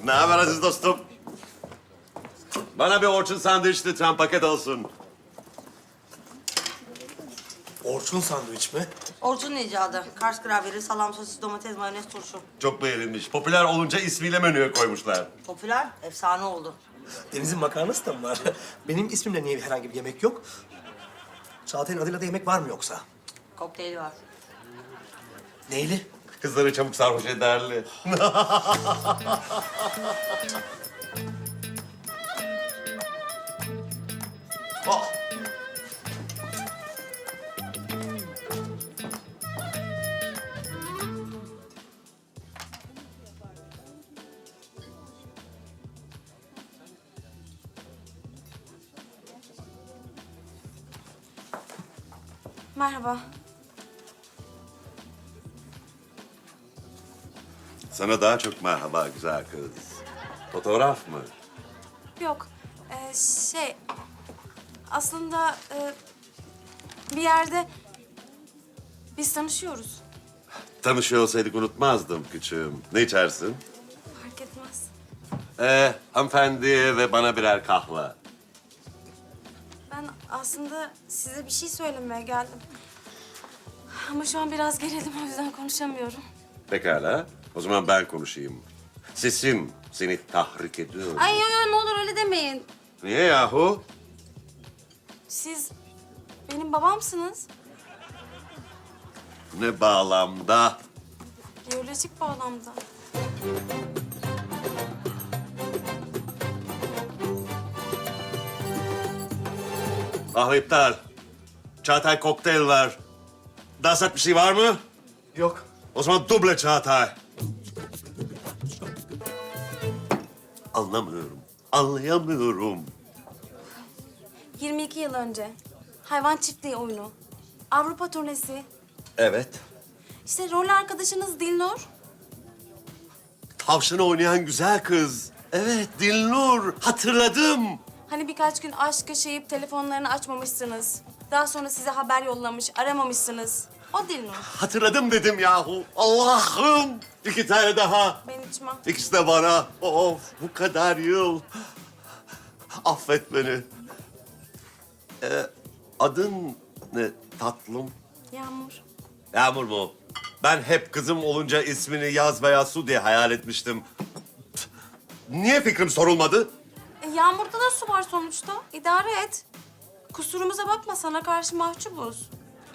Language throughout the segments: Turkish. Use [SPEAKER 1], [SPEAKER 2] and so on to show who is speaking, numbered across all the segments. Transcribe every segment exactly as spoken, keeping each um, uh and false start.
[SPEAKER 1] Ne haber aziz dostum? Bana bir Orçun sandviç lütfen paket olsun.
[SPEAKER 2] Orçun sandviç mi?
[SPEAKER 3] Orçun'un icadı. Kars gravyeri, salam, sosis, domates, mayonez, turşu.
[SPEAKER 1] Çok beğenilmiş. Popüler olunca ismiyle menüye koymuşlar.
[SPEAKER 3] Popüler, efsane oldu.
[SPEAKER 2] Deniz'in makarnası da mı var? Benim ismimle niye herhangi bir yemek yok? Çağatay'ın adıyla da yemek var mı yoksa?
[SPEAKER 3] Kokteyli var.
[SPEAKER 2] Neyli?
[SPEAKER 1] Kızları çabuk sarhoş ederli. Oh.
[SPEAKER 4] Merhaba.
[SPEAKER 1] Sana daha çok merhaba güzel kız. Fotoğraf mı?
[SPEAKER 4] Yok. Ee, şey... Aslında e, bir yerde biz tanışıyoruz.
[SPEAKER 1] Tanışıyor olsaydık unutmazdım küçüğüm. Ne içersin?
[SPEAKER 4] Fark etmez.
[SPEAKER 1] Ee, hanımefendi ve bana birer kahve.
[SPEAKER 4] Ben aslında size bir şey söylemeye geldim. Ama şu an biraz gerildim, o yüzden konuşamıyorum.
[SPEAKER 1] Pekala. O zaman ben konuşayım. Sesim seni tahrik ediyor.
[SPEAKER 4] Ay yo, yo, ne olur öyle demeyin.
[SPEAKER 1] Niye yahu?
[SPEAKER 4] Siz benim babamsınız.
[SPEAKER 1] Ne bağlamda?
[SPEAKER 4] Biyolojik bağlamda.
[SPEAKER 1] Kahve iptal. Çağatay kokteyl var. Daha sert bir şey var mı?
[SPEAKER 2] Yok.
[SPEAKER 1] O zaman duble Çağatay. Anlamıyorum. Anlayamıyorum.
[SPEAKER 4] yirmi iki yıl önce hayvan çiftliği oyunu, Avrupa turnesi,
[SPEAKER 1] Evet.
[SPEAKER 4] işte rol arkadaşınız Dilnur.
[SPEAKER 1] Tavşanı oynayan güzel kız. Evet, Dilnur. Hatırladım.
[SPEAKER 4] Hani birkaç gün aşk yaşayıp telefonlarını açmamışsınız. Daha sonra size haber yollamış, aramamışsınız. O Dilnur.
[SPEAKER 1] Hatırladım dedim yahu. Allah'ım. İki tane daha.
[SPEAKER 4] Ben içmem.
[SPEAKER 1] İkisi de bana. Of, bu kadar yıl. Affet beni. Ee, adın ne tatlım?
[SPEAKER 4] Yağmur.
[SPEAKER 1] Yağmur mu? Ben hep kızım olunca ismini Yaz veya Su diye hayal etmiştim. Niye fikrim sorulmadı?
[SPEAKER 4] E, Yağmur'da da su var sonuçta. İdare et. Kusurumuza bakma, sana karşı mahcubuz.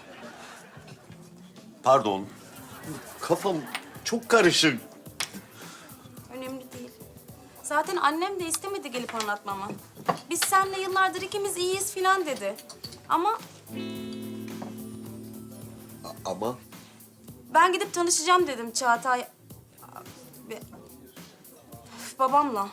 [SPEAKER 1] Pardon. Kafam çok karışık.
[SPEAKER 4] Önemli değil. Zaten annem de istemedi gelip anlatmamı. Biz seninle yıllardır ikimiz iyiyiz filan dedi. Ama
[SPEAKER 1] Ama
[SPEAKER 4] ben gidip tanışacağım dedim Çağatay. Abi, üf, babamla.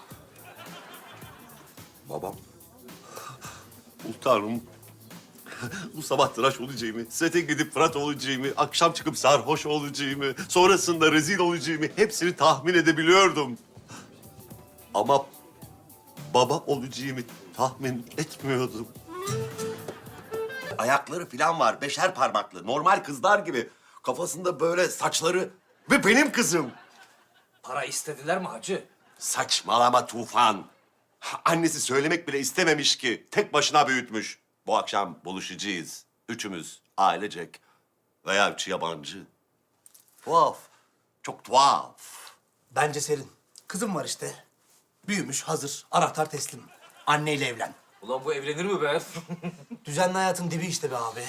[SPEAKER 1] babam. Oh Tanrım. Bu sabah tıraş olacağımı, sete gidip Fırat olacağımı, akşam çıkıp sarhoş olacağımı, sonrasında rezil olacağımı hepsini tahmin edebiliyordum. Ama baba olacağımı tahmin etmiyordum. Ayakları falan var, beşer parmaklı, normal kızlar gibi. Kafasında böyle saçları ve benim kızım.
[SPEAKER 5] Para istediler mi hacı?
[SPEAKER 1] Saçmalama Tufan. Annesi söylemek bile istememiş ki. Tek başına büyütmüş. Bu akşam buluşacağız. Üçümüz ailecek veya üç yabancı. Tuhaf. Çok tuhaf.
[SPEAKER 2] Bence serin. Kızım var işte. Büyümüş, hazır. Anahtar teslim. Anneyle evlen.
[SPEAKER 5] Ulan bu evlenir mi be?
[SPEAKER 2] Düzenli hayatın dibi işte be abi.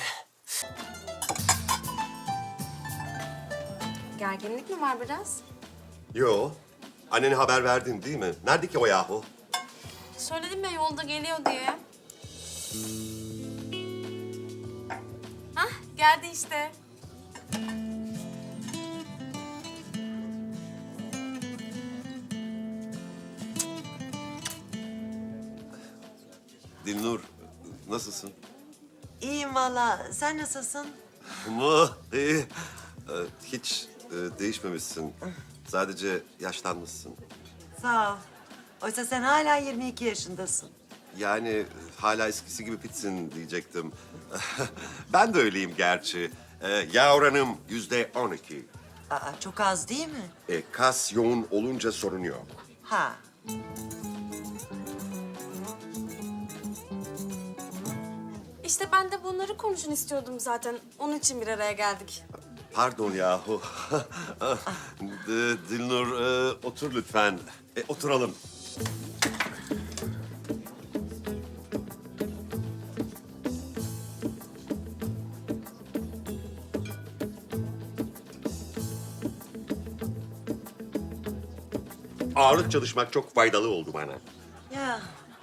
[SPEAKER 4] Gerginlik mi var biraz?
[SPEAKER 1] Yo. Annene haber verdin değil mi? Nerede ki o yahu?
[SPEAKER 4] Söyledim ya yolda geliyor diye. Hah, geldi işte.
[SPEAKER 1] Dilnur, nasılsın?
[SPEAKER 3] İyiyim valla. Sen nasılsın?
[SPEAKER 1] Mu, iyi. Ee, hiç e, değişmemişsin. Sadece yaşlanmışsın.
[SPEAKER 3] Sağ ol. Oysa sen hala yirmi iki yaşındasın.
[SPEAKER 1] Yani hala eskisi gibi pitsin diyecektim. Ben de öyleyim gerçi. Ee, yağ oranım yüzde on iki.
[SPEAKER 3] Aa, çok az değil mi?
[SPEAKER 1] E, kas yoğun olunca sorun yok.
[SPEAKER 3] Ha.
[SPEAKER 4] İşte ben de bunları konuşun istiyordum zaten. Onun için bir araya geldik.
[SPEAKER 1] Pardon yahu. D- Dilnur, e, otur lütfen. E, oturalım. Ağırlık çalışmak çok faydalı oldu bana.
[SPEAKER 3] Ya.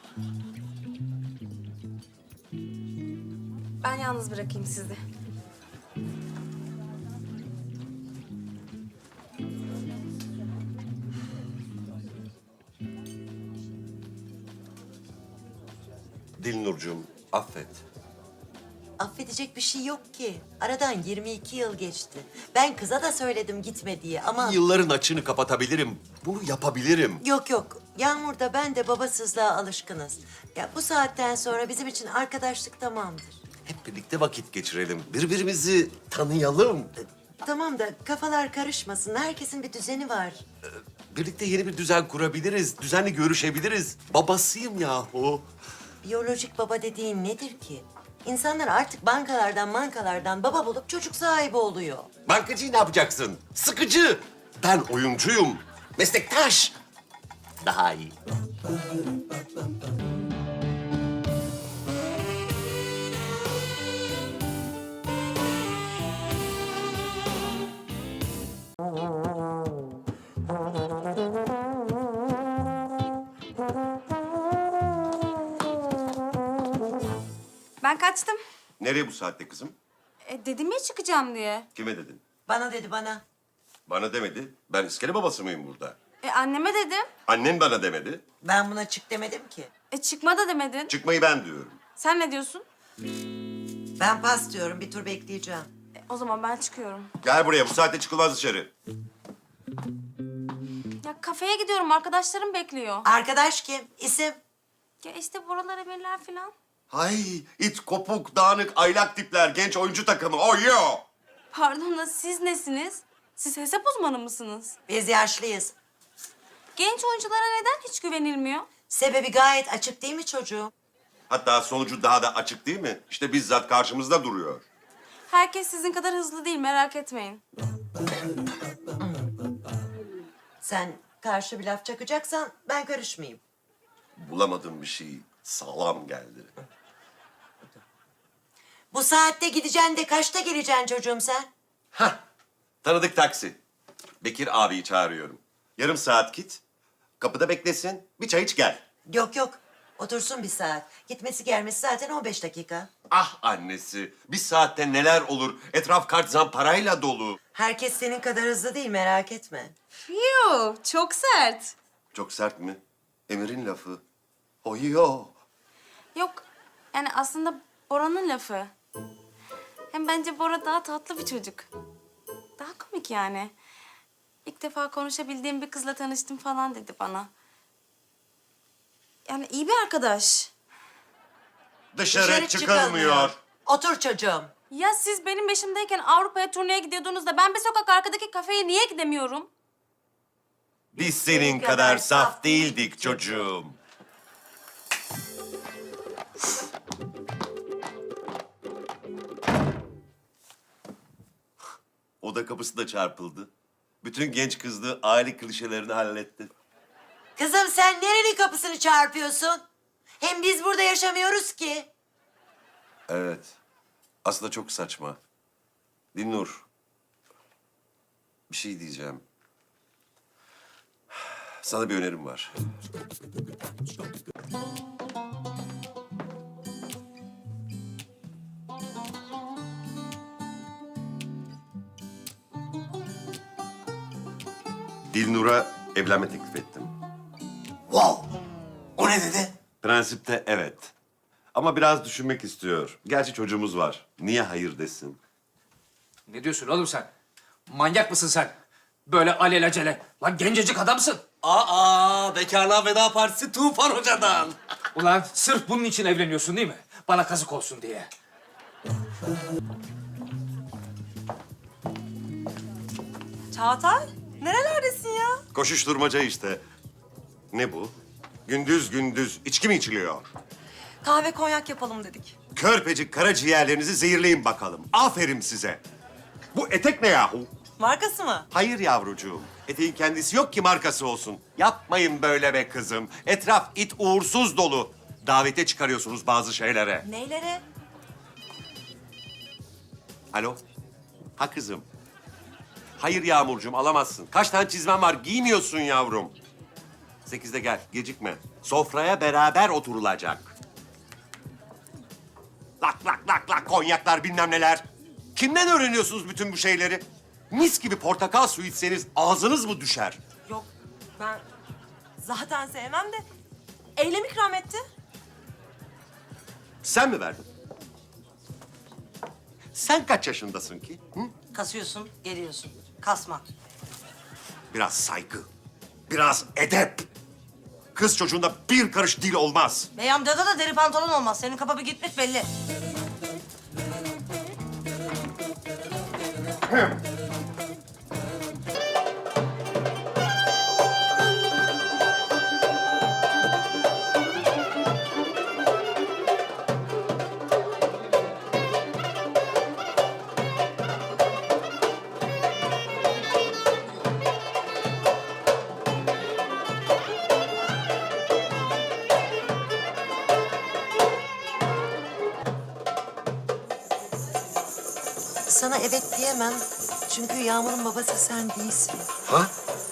[SPEAKER 4] Ben yalnız bırakayım sizi.
[SPEAKER 1] Dilnurcuğum, affet.
[SPEAKER 3] Affedecek bir şey yok ki. Aradan yirmi iki yıl geçti. Ben kıza da söyledim gitme diye ama...
[SPEAKER 1] Yılların açığını kapatabilirim. Bunu yapabilirim.
[SPEAKER 3] Yok yok. Yağmur da ben de babasızlığa alışkınız. Ya bu saatten sonra bizim için arkadaşlık tamamdır.
[SPEAKER 1] Hep birlikte vakit geçirelim. Birbirimizi tanıyalım.
[SPEAKER 3] Tamam da kafalar karışmasın. Herkesin bir düzeni var.
[SPEAKER 1] Birlikte yeni bir düzen kurabiliriz. Düzenli görüşebiliriz. Babasıyım yahu.
[SPEAKER 3] Biyolojik baba dediğin nedir ki? İnsanlar artık bankalardan mankalardan baba bulup çocuk sahibi oluyor.
[SPEAKER 1] Bankacıyı ne yapacaksın? Sıkıcı. Ben oyuncuyum. Meslektaş. Daha iyi.
[SPEAKER 4] Ben kaçtım.
[SPEAKER 1] Nereye bu saatte kızım?
[SPEAKER 4] E, dedim ya çıkacağım diye.
[SPEAKER 1] Kime dedin?
[SPEAKER 3] Bana dedi bana.
[SPEAKER 1] Bana demedi. Ben iskele babası mıyım burada?
[SPEAKER 4] E, anneme dedim.
[SPEAKER 1] Annen bana demedi.
[SPEAKER 3] Ben buna çık demedim ki.
[SPEAKER 4] E, çıkma da demedin.
[SPEAKER 1] Çıkmayı ben diyorum.
[SPEAKER 4] Sen ne diyorsun?
[SPEAKER 3] Ben pas diyorum. Bir tur bekleyeceğim.
[SPEAKER 4] E, o zaman ben çıkıyorum.
[SPEAKER 1] Gel buraya. Bu saatte çıkılmaz dışarı.
[SPEAKER 4] Ya kafeye gidiyorum. Arkadaşlarım bekliyor.
[SPEAKER 3] Arkadaş kim? İsim?
[SPEAKER 4] Ya işte buralar emirler falan.
[SPEAKER 1] Hay, it, kopuk, dağınık, aylak tipler, genç oyuncu takımı. Oh yo!
[SPEAKER 4] Pardon da siz nesiniz? Siz hesap uzmanı mısınız?
[SPEAKER 3] Biz yaşlıyız.
[SPEAKER 4] Genç oyunculara neden hiç güvenilmiyor?
[SPEAKER 3] Sebebi gayet açık değil mi çocuğum?
[SPEAKER 1] Hatta sonucu daha da açık değil mi? İşte bizzat karşımızda duruyor.
[SPEAKER 4] Herkes sizin kadar hızlı değil, merak etmeyin.
[SPEAKER 3] Sen karşı bir laf çakacaksan ben karışmayayım.
[SPEAKER 1] Bulamadığım bir şey sağlam geldi.
[SPEAKER 3] Bu saatte gideceksin de kaçta geleceksin çocuğum sen?
[SPEAKER 1] Hah, tanıdık taksi. Bekir abiyi çağırıyorum. Yarım saat git, kapıda beklesin, bir çay iç gel.
[SPEAKER 3] Yok yok. Otursun bir saat. Gitmesi gelmesi zaten on beş dakika.
[SPEAKER 1] Ah annesi, bir saatte neler olur? Etraf kart zamparayla dolu.
[SPEAKER 3] Herkes senin kadar hızlı değil merak etme.
[SPEAKER 4] Yoo, çok sert.
[SPEAKER 1] Çok sert mi? Emir'in lafı. Oyo.
[SPEAKER 4] Yok, yani aslında Bora'nın lafı. Hem bence Bora daha tatlı bir çocuk. Daha komik yani. İlk defa konuşabildiğim bir kızla tanıştım falan dedi bana. Yani iyi bir arkadaş.
[SPEAKER 1] Dışarı, çıkılmıyor.
[SPEAKER 3] Otur çocuğum.
[SPEAKER 4] Ya siz benim yaşımdayken Avrupa'ya turneye gidiyordunuz da ben bir sokak arkadaki kafeye niye gidemiyorum?
[SPEAKER 1] Biz senin kadar saf değildik çocuğum. Oda kapısı da çarpıldı. Bütün genç kızlığı aile klişelerini halletti.
[SPEAKER 3] Kızım sen nerenin kapısını çarpıyorsun? Hem biz burada yaşamıyoruz ki.
[SPEAKER 1] Evet. Aslında çok saçma. Dilnur. Bir şey diyeceğim. Sana bir önerim var. Dilnur'a evlenme teklif ettim.
[SPEAKER 2] Wow! O ne dedi?
[SPEAKER 1] Prensipte evet. Ama biraz düşünmek istiyor. Gerçi çocuğumuz var. Niye hayır desin?
[SPEAKER 5] Ne diyorsun oğlum sen? Manyak mısın sen? Böyle alelacele. Lan gencecik adamsın.
[SPEAKER 2] Aa, bekarlığa veda partisi Tufan Hoca'dan.
[SPEAKER 5] Ulan sırf bunun için evleniyorsun değil mi? Bana kazık olsun diye.
[SPEAKER 3] Çağatay, nerelerdesin ya?
[SPEAKER 1] Koşuşturmaca işte. Ne bu? Gündüz gündüz içki mi içiliyor?
[SPEAKER 6] Kahve konyak yapalım dedik.
[SPEAKER 1] Körpecik karaciğerlerinizi zehirleyin bakalım. Aferin size. Bu etek ne yahu?
[SPEAKER 6] Markası mı?
[SPEAKER 1] Hayır yavrucuğum. Eteğin kendisi yok ki markası olsun. Yapmayın böyle be kızım. Etraf it uğursuz dolu. Davete çıkarıyorsunuz bazı şeylere.
[SPEAKER 6] Neylere?
[SPEAKER 1] Alo? Ha kızım. Hayır Yağmurcuğum alamazsın. Kaç tane çizmen var giymiyorsun yavrum. Sekizde gel gecikme. Sofraya beraber oturulacak. Lak lak lak lak konyaklar bilmem neler. Kimden öğreniyorsunuz bütün bu şeyleri? Mis gibi portakal suyu içseniz ağzınız mı düşer?
[SPEAKER 6] Yok ben zaten sevmem de Eylem ikram etti.
[SPEAKER 1] Sen mi verdin? Sen kaç yaşındasın ki? Hı?
[SPEAKER 7] Kasıyorsun, geliyorsun. Kasma.
[SPEAKER 1] Biraz saygı, biraz edep. Kız çocuğunda bir karış dil olmaz.
[SPEAKER 7] Bey amcada da deri pantolon olmaz. Senin kafa bir gitmiş belli.
[SPEAKER 3] Sana evet diyemem. Çünkü Yağmur'un babası sen değilsin.
[SPEAKER 1] Ha?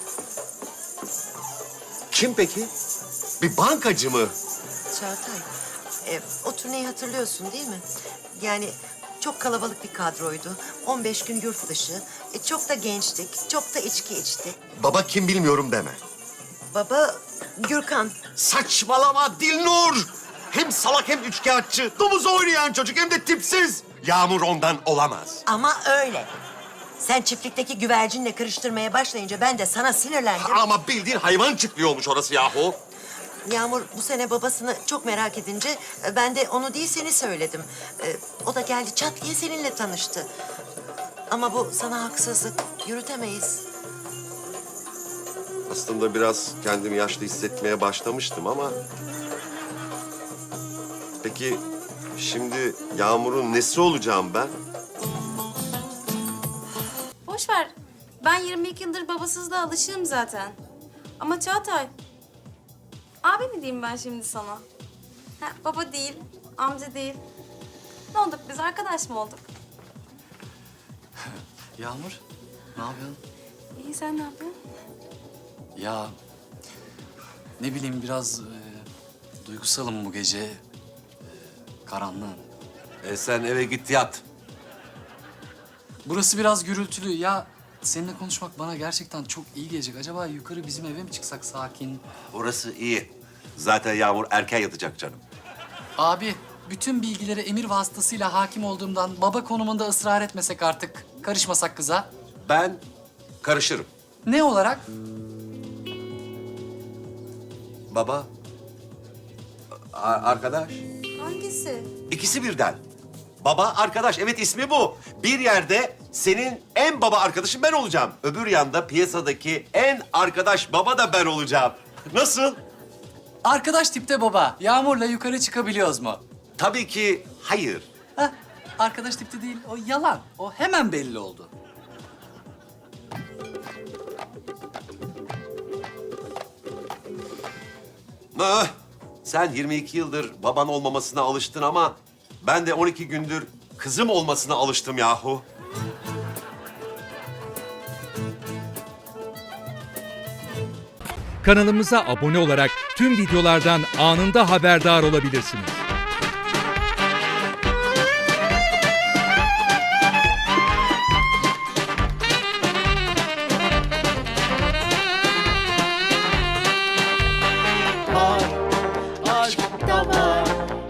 [SPEAKER 1] Kim peki? Bir bankacı mı?
[SPEAKER 3] Çağatay, e, o turneyi hatırlıyorsun değil mi? Yani çok kalabalık bir kadroydu. on beş gün yurt dışı. E, çok da gençtik, çok da içki içtik.
[SPEAKER 1] Baba kim bilmiyorum deme.
[SPEAKER 3] Baba Gürkan.
[SPEAKER 1] Saçmalama Dilnur! Hem salak hem üçkağıtçı. Domuz oynayan çocuk hem de tipsiz. Yağmur ondan olamaz.
[SPEAKER 3] Ama öyle. Sen çiftlikteki güvercinle karıştırmaya başlayınca ben de sana sinirlendim.
[SPEAKER 1] Ama bildiğin hayvan çiftliği olmuş orası yahu.
[SPEAKER 3] Yağmur bu sene babasını çok merak edince e, ben de onu değil seni söyledim. E, o da geldi çat diye seninle tanıştı. Ama bu sana haksızlık. Yürütemeyiz.
[SPEAKER 1] Aslında biraz kendimi yaşlı hissetmeye başlamıştım ama... Peki şimdi Yağmur'un nesi olacağım ben?
[SPEAKER 4] Boş ver. Ben yirmi iki yıldır babasızlığa alışığım zaten. Ama Çağatay, abi mi diyeyim ben şimdi sana? Ha, baba değil, amca değil. Ne olduk biz, arkadaş mı olduk?
[SPEAKER 8] Yağmur, ne yapıyorsun?
[SPEAKER 4] İyi, sen ne yapıyorsun?
[SPEAKER 8] Ya ne bileyim biraz e, duygusalım bu gece. E, karanlığım.
[SPEAKER 1] E sen eve git yat.
[SPEAKER 8] Burası biraz gürültülü. Ya seninle konuşmak bana gerçekten çok iyi gelecek. Acaba yukarı bizim eve mi çıksak sakin?
[SPEAKER 1] Orası iyi. Zaten Yağmur erken yatacak canım.
[SPEAKER 8] Abi, bütün bilgilere emir vasıtasıyla hakim olduğumdan baba konumunda ısrar etmesek artık. Karışmasak kıza.
[SPEAKER 1] Ben karışırım.
[SPEAKER 8] Ne olarak?
[SPEAKER 1] Baba, a- arkadaş.
[SPEAKER 3] Hangisi?
[SPEAKER 1] İkisi birden. Baba, arkadaş. Evet ismi bu. Bir yerde senin en baba arkadaşın ben olacağım. Öbür yanda piyasadaki en arkadaş baba da ben olacağım. Nasıl?
[SPEAKER 8] Arkadaş tipte baba. Yağmur'la yukarı çıkabiliyoruz mu?
[SPEAKER 1] Tabii ki hayır.
[SPEAKER 8] Heh, arkadaş tipte değil. O yalan. O hemen belli oldu.
[SPEAKER 1] Ah, sen yirmi iki yıldır baban olmamasına alıştın ama ben de on iki gündür kızım olmasına alıştım yahu.
[SPEAKER 9] Kanalımıza abone olarak tüm videolardan anında haberdar olabilirsiniz.